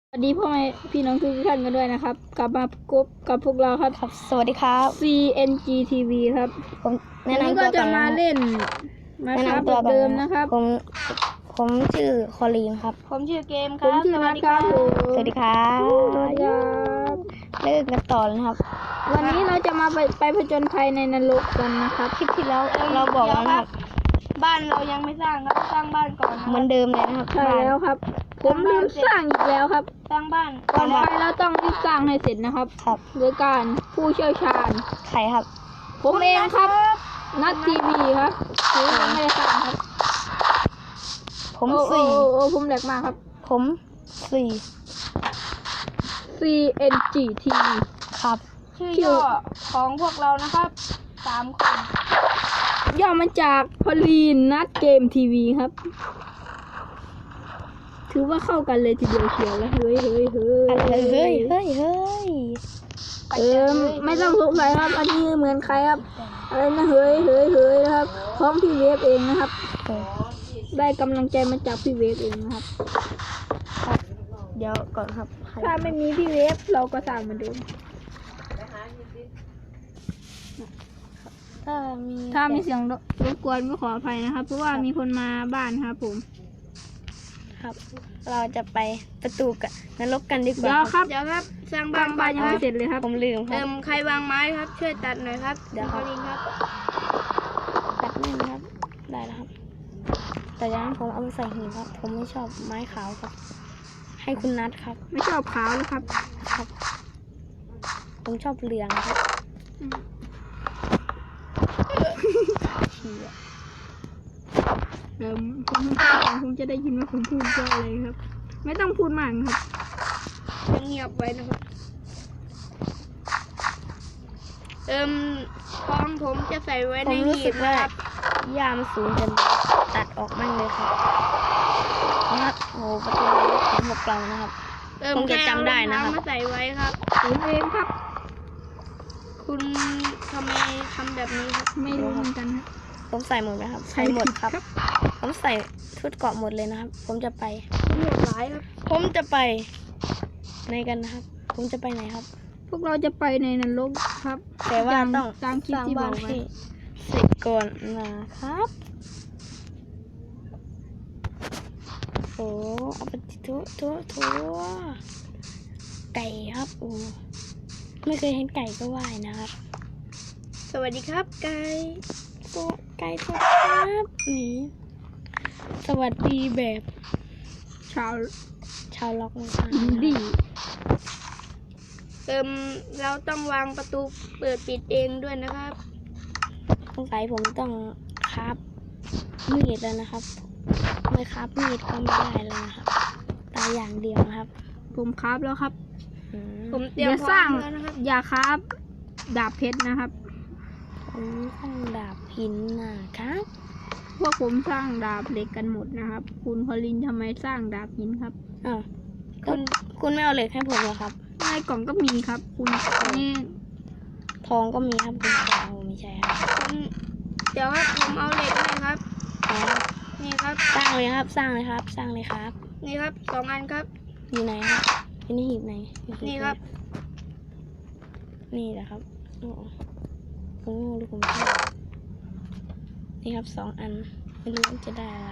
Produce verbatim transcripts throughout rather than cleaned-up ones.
สวัสดีพ่อแม่พี่น้องทุกท่านกันด้วยนะครับกลับมาพบกับพวกเราครับครับสวัสดีครับซี เอ็น จี ที วี ครับผมแนะวันนี้นำก็ตัวจะก่อนมานะเล่นมาแนะครับนำตัวแบบก่อนเดิมนะนะครับผมผมชื่อคอลีนครับผมชื่อเกมคผรัมบชื่อนัทครับผมสวัสดีครับสวัสดีครับเลิกกันต่อเลยครับวันนี้เราจะมาไปไปผจญภัยในนรกกันนะครับคลิปที่แล้วเราบอกแล้วนะครับบ้านเรายังไม่สร้างครับสร้างบ้านก่อนนะเหมือนเดิมเลยนะครับใช่แล้วครับ ผมลืมสร้างอีกแล้วครับสร้างบ้านก่อนไปเราต้องรีบสร้างให้เสร็จนะครับครับโดยการผู้เชี่ยวชาญใครครับผมเองครับนัททีวีครับผมยังไม่ได้สร้างครับผมโอ้โอ้สี่โอ้โอ้ผมแหลกมากครับผมสี่ซี เอ็น จี ที วีครับชื่อย่อของพวกเรานะครับสามคนย่อมาจากพอลีนนัดเกมทีวีครับ ถือว่าเข้ากันเลยทีเดียวเชียวแล้วเฮ้ยเฮ้ยเฮ้ยเฮ้ยเฮ้ยเฮ้ยเฮ้ยเออไม่ต้องสงสัยครับ อันนี้เหมือนใครครับอะไรนะเฮ้ยเฮ้ยเฮ้ยนะครับพร้อมพี่เวฟเองนะครับ ได้กำลังใจมาจากพี่เวฟเองนะครับครับเดี๋ยวก่อนครับใครถ้าไม่มีพี่เวฟเราก็สร้างเหมือนเดิมถ้ามีถ้ามีเสียงรบกวนก็ขออภัยนะครับ เพราะว่ามีคนมาบ้านครับผมครับ เราจะไปประตูกันนรกกันดีกเดี๋ยวว่าครับเดี๋ยวครับสร้างบาบ้าง นบ้านยังไม่เสร็จเลยครับผมลืมคเติรับมใครวางไม้ครับช่วยตัดหน่อยครับเดี๋ยวครับลิงครับตัดนี่นะครับ ได้แล้วครับ แต่อยังนั้นผมเอาไปใส่หีบครับ ผมไม่ชอบไม้ขาวครับ ให้คุณนัทครับไม่ชอบขาวนะครับครับ ผมชอบเหลืองครับเชียเอ่อผมผมจะได้ยินว่าผมพูดว่าอะไรครับ ไม่ต้องพูดมากครับเงียบไว้นะครับเติมของผมจะใส่ไว้ผในมรู้หีสึบกว่านะครับยามสูงจนตัดออกมั่งเลยครับนะครับโอ้โหประตูของหกเรานะครับเติมผมจะจำได้นะครับแค่เอารองเท้ามาใส่ไว้ครับผมเองครับคุณทำไมทำแบบนี้ครับไม่รู้เหมือนกันครับผมใส่หมดไหมครับ ใส่หมดครับ ผมใส่ชุดเกราะหมดเลยนะครับ ผมจะไปโหดร้ายครับผมจะไปไหนกันนะครับ ผมจะไปไหนครับพวกเราจะไปในนรกครับแต่ว่าต้องตามคลิปสร้างที่บบ้าอน กไว้ให้เสร็จก่อนนะครับ โอ้เอาไปทุทุทุไก่ครับโอ้ไม่เคยเห็นไก่ก็ว่ายนะครับสวัสดีครับไก่ตัวไก่ตัวครับนี่สวัสดีแบบชาวชาวล็อกนะครับอินดี้เติมเราต้องวางประตูเปิดปิดเองด้วยนะครับสงสัยผมต้องคราบมีดแล้วนะครับ ไม่คราบมีดก็ไม่ได้แล้วนะครับตายอย่างเดียวนะครับผมคราฟแล้วครับอืมผมเตรียอมย่าพร้สร้าอง มแล้วนะครับอย่าคราฟดาบเพชรนะครับผมต้องดาบหินนะครับพวกผมสร้างดาบเหล็กกันหมดนะครับ คุณพอลินทำไมสร้างดาบหินครับอ้าวคุณคุณไม่เอาเหล็กให้ผมเหรอครับในกล่องก็มีครับ คุณนี่ทองก็มีครับคุณทองไม่ใช่ครับผมเดี๋ยวครับผมเอาเหล็กให้ครับอ๋อนี่ครับสร้างเลยครับ สร้างเลยครับ สร้างเลยครับนี่ครับสองอันครับอยู่ไหนครับอยู่ในหีบไหนอยู่หีนี่ครับนี่แหละครับโอ้ผมงงหรือผมชอบนี่ครับสองอันไม่รู้ว่าจะได้อะไร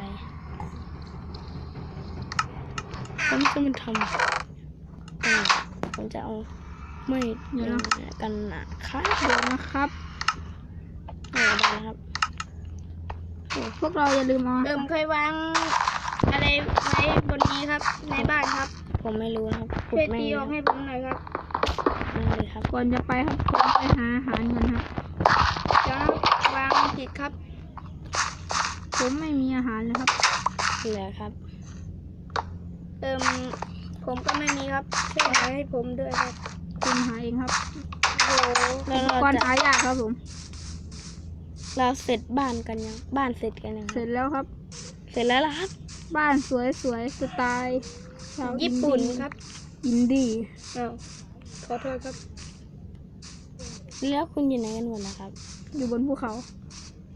ผมจะมันทำอืมผมจะเอาไม่เดี๋ยวกันนะครับเดี๋ยวนะครับเออได้แล้วครับพวกเราอย่าลืมเอาเติมเคยวางอะไรไว้บนนี้ครับ ในบ้านครับผมไม่รู้นะครับขุช่วดยไม่ตีออกให้ผมหน่อยครับไม่เลยครับก่อนจะไปครับผมไปหาอาหารก่อนครับเดี๋ยววางผิดครับผมไม่มีอาหารเลยครับเหลือครับเติมผมก็ไม่มีครับช่วยหาให้ผมด้วยครับคุณหาเองครับโอ้โหแล้วอุปเรากรณ์จะหายากครับผมเราเสร็จบ้านกันยังบ้านเสร็จกันยังเสร็จแล้วครับเสร็จแล้วล่ะครับบ้านสวยสวยๆสไตล์ชาวญี่ปุ่นครับอินดี้อ้าวขอโทษครับแล้วคุณอยู่ไหนกันหมดนะครับอยู่บนภูเขา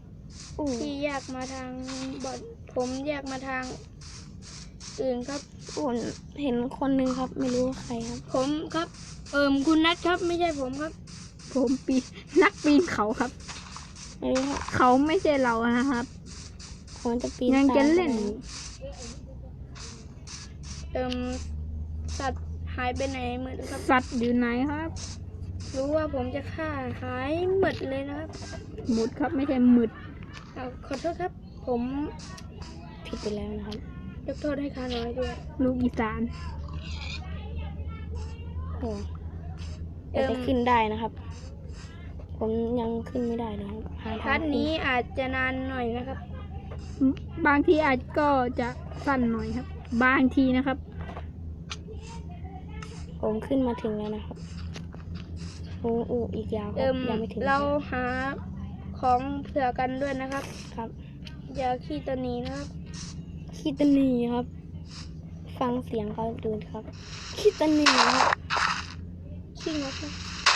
อู้ที่แยกมาทางบอนผมแยกมาทางอื่นครับผมเห็นคนหนึงครับ ไม่รู้ว่าใครครับผมครับ เอิมคุณนัทครับ ไม่ใช่ผมครับผมปีนนักปีนเขาครับไม่รู้ครับเขาไม่ใช่เรานะครับผมจะปีนยังจะตามเล่นเอิมสัตว์หายไปไหนหมดครับสัตว์อยู่ไหนครับรู้ว่าผมจะฆ่าหายหมดเลยนะครับหมุดครับไม่ใช่หมึดเอาขอโทษครับ ผมผิดไปแล้วนะครับยกโทษให้ข้าน้อยด้วยลูกอีสานโอ้เอิ่แต่มจะขึ้นได้นะครับ ผมยังขึ้นไม่ได้เลยครับหาทาพาร์งทขึ้นี้อาจจะนานหน่อยนะครับบางทีอาจก็จะสั้นหน่อยครับ บางทีนะครับผมขึ้นมาถึงแล้วนะครับโอ้โอ้อีกยาวคเอิรับมยังไม่ถึงเราหาของเผื่อกันด้วยนะครับครับอย่าขี้ตัวหนี้นะครับคิดตันนีครับ ฟังเสียงเขาดูครับคิดตันนีครับขี้งกนะ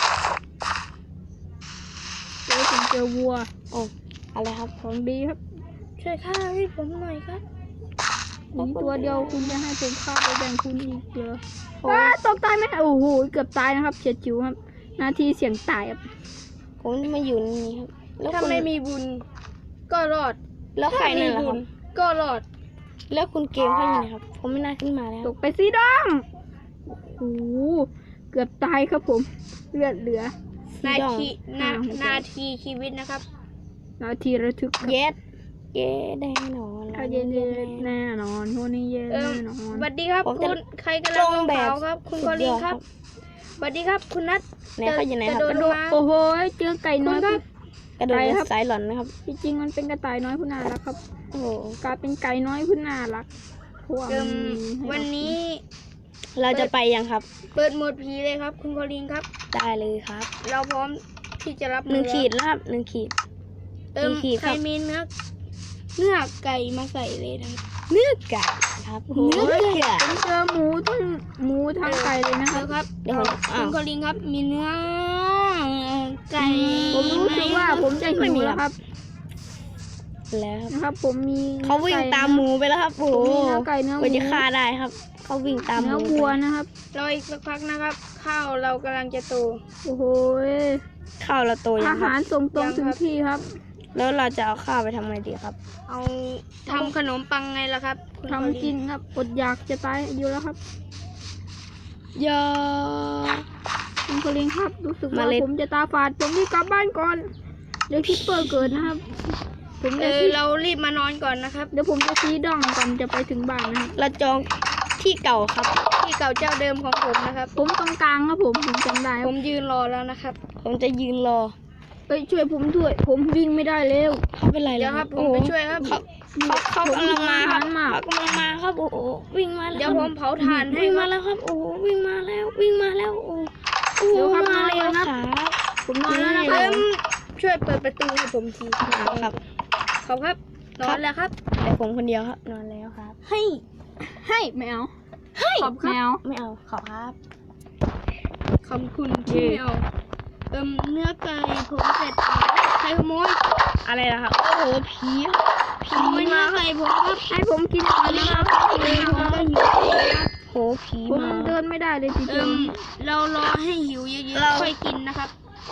เจอผมเจอวัวโอ้อะไรครับของดีครับช่วยข้าให้ผมหน่อยครับมีตัวเดียวคุณจะให้ผมฆ่าไปแบ่งคุณอีกเหรอโอ้ว้าตกตายไหมโอ้โหเกือบตายนะครับเฉียดฉิวครับ นาทีเสี่ยงตายครับผมจะมาอยู่นี่ครับ แล้วถ้าคุณไม่มีบุญก็รอดแล้วใครถ้านั่มีนล่ะบุครัญบก็รอดแล้วคุณเกมเขาอยู่ไหนครับ ผมไม่น่าขึ้นมาแล้วตกไปสิดองโอ้โหเกือบตายครับผม เลือดเหลือนาสีดองทีนาอ่าหัวใจนาทีชีวิตนะครับนาทีระทึกครับเย็ดเย็ดแน่นอนถ้าเย็นๆแน่นอนพวกนี้เย็นเอิแน่มนอนสวัสดีครับผมจะคุณใครกำตลัรง งลงแบบเขาครับ คุณคอลินครับสวัสดีครับ คุณนัทไหนเขาอยู่ไหนครับจะกระโดโดนดมาโอ้โหเจอไก่น้อยคุณครับกระโดดไปเป็นครับสายหลอนนะครับจริงๆมันเป็นกระต่ายน้อยผู้น่ารักครับโอ้โหกลายเป็นไก่น้อยผู้น่ารักเพราะว่าเอิมันมมีให้วันนี้เราจะไปยังครับเปิดโหมดผีเลยครับ คุณคอลินครับได้เลยครับเราพร้อมที่จะรับหนึ่งมือขีดแล้วครับหนึ่งขีดเอิมหนึ่งขีดใครครับมีเนื้อเนื้อไก่มาใส่เลยนะครับเนื้อไก่ครับโอ้โหเนื้อไก่ผมเจอหมูทั้งหมูทั้งไก่เลยนะคเดี๋รัยบวครับเดี๋ยวผมคุอ้าวณคอลินครับ มีเนื้อไก่ผมรู้สึกว่าผมจะหิวแล้วครับแล้วครับนะครับ ผมมีเขาวิ่งตามหมูไปแล้วครับโอ้ผมโหมีเนื้อไก่เนื้อหกว่ามูจะฆ่าได้ครับ เขาวิ่งตามหเนื้มูอไปวัวนะครับรออีกสักพักนะครับ ข้าวเรากำลังจะโตโอ้โหข้าวเราโตยัอางครัหารบส่งตรงยังถึงครับที่ครับแล้วเราจะเอาข้าวไปทำไงดีครับเอาทำขนมปังไงล่ะครับคุณคอลิทำกินครับอดอยากจะตายอยู่แล้วครับยาคุณคลิงครับ รู้สึกเมว่าล็ดผมจะตาฝาดผมรีบกลับบ้านก่อนเดี๋ยวคิปเปอร์เกิดนะครับ ผมเอจะอซีเรารีบมานอนก่อนนะครับเดี๋ยวผมจะซีดองก่อนจะไปถึงบ้านนะครับเราจองที่เก่าครับที่เก่าเจ้าเดิมของผมนะครับผมตรงกลางครับผมผมจำได้คผรับมยืนรอแล้วนะครับผมจะยืนรอเอ้ยช่วยผมด้วย ผมวิ่งไม่ได้เร็วเขาเป็นไรเดี๋ยวแล้วครับผมโอ้โหไปช่วยครับเขาเขาเขากำลังมาครับมากเขากำลังมาครับโอ้โหวิ่งมาแล้วเดี๋ยวผมเผาถ่านให้วิ่งคมารับแล้วครับโอ้โหวิ่งมาแล้ว วิ่งมาแล้วโอ้โหเดี๋ยวครับมาแล้วนอนคครัรับ บผมนอนแล้วนะคเอิรับมช่วยเปิดประตูให้ผมทีครับขอบครับนอนแล้วครับแต่ผมคนเดียวครับนอนแล้วครับให้ให้แมวให้ขอบแมวไม่เอาขอครับขอบคุณที่ไม่เอาเอิมเนื้อไก่ผมเสร็จใครขโมยอะไรล่ะครับโอ้โหผีขโมยเนื้อไก่ผมครับให้ผมกินก่อนนะครับเออผมก็หิวนะครับโหผีผมมาเดินไม่ได้เลยจริเอิงมเรารอให้หิวเยอะเราๆค่อยกินนะครับ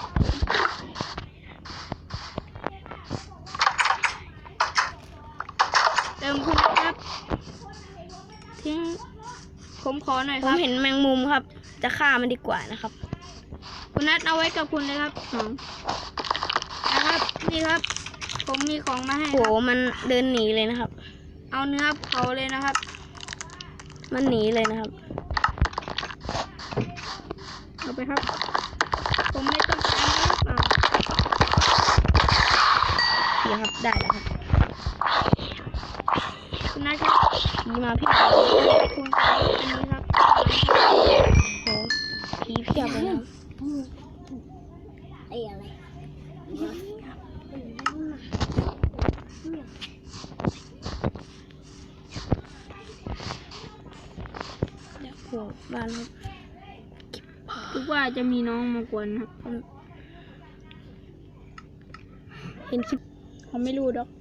เติมคุณครับทิ้งผมขอหน่อยผคมรับเห็นแมงมุมครับ จะฆ่ามันดีกว่านะครับคุณนัทเอาไว้กับคุณเลยครับๆอ๋อนะครับนี่ครับ ผมมีของมาให้โหครับมันเดินหนีเลยนะครับเอาเนื้อเผาเลยนะครับมันหนีเลยนะครับเอาไปครับผมไม่ต้องการนะครับอ่าผีครับได้แล้วครับคุณนัทครับผีมาเพียบคุณขออันนี้ครับโหผีเพียบเลยนะครับไอ้อะไรโหบ้านครับคิดว่าจะมีน้องมากวนครับเห็นคลิปเขาไม่รู้ดอก